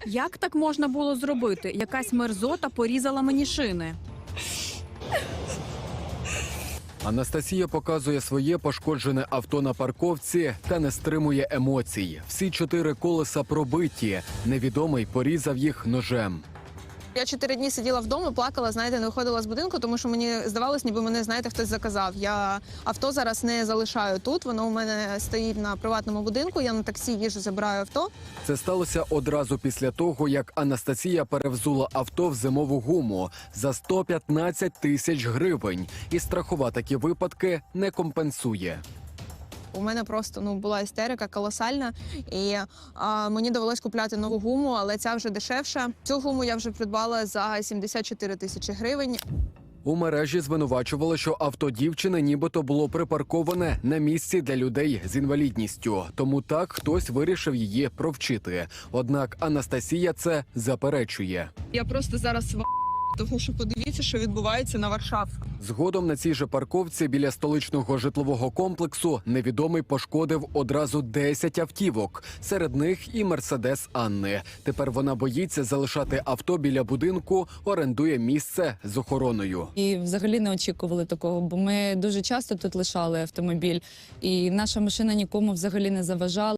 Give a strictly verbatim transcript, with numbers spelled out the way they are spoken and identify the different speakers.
Speaker 1: Як так можна було зробити? Якась мерзота порізала мені шини.
Speaker 2: Анастасія показує своє пошкоджене авто на парковці та не стримує емоцій. Всі чотири колеса пробиті. Невідомий порізав їх ножем.
Speaker 3: Я чотири дні сиділа вдома, плакала, знаєте, не виходила з будинку, тому що мені здавалось, ніби мене, знаєте, хтось заказав. Я авто зараз не залишаю тут, воно у мене стоїть на приватному будинку, я на таксі їжджу, забираю авто.
Speaker 2: Це сталося одразу після того, як Анастасія перевзула авто в зимову гуму за сто п'ятнадцять тисяч гривень. І страхова такі випадки не компенсує.
Speaker 3: У мене просто ну була істерика колосальна, і а, мені довелось купляти нову гуму, але ця вже дешевша. Цю гуму я вже придбала за сімдесят чотири тисячі гривень.
Speaker 2: У мережі звинувачували, що авто дівчини нібито було припарковане на місці для людей з інвалідністю. Тому так хтось вирішив її провчити. Однак Анастасія це заперечує.
Speaker 3: Я просто зараз в тому що подивіться, що відбувається на Варшаві.
Speaker 2: Згодом на цій же парковці біля столичного житлового комплексу невідомий пошкодив одразу десять автівок. Серед них і «Мерседес» Анни. Тепер вона боїться залишати авто біля будинку, орендує місце з охороною.
Speaker 4: І взагалі не очікували такого, бо ми дуже часто тут лишали автомобіль, і наша машина нікому взагалі не заважала.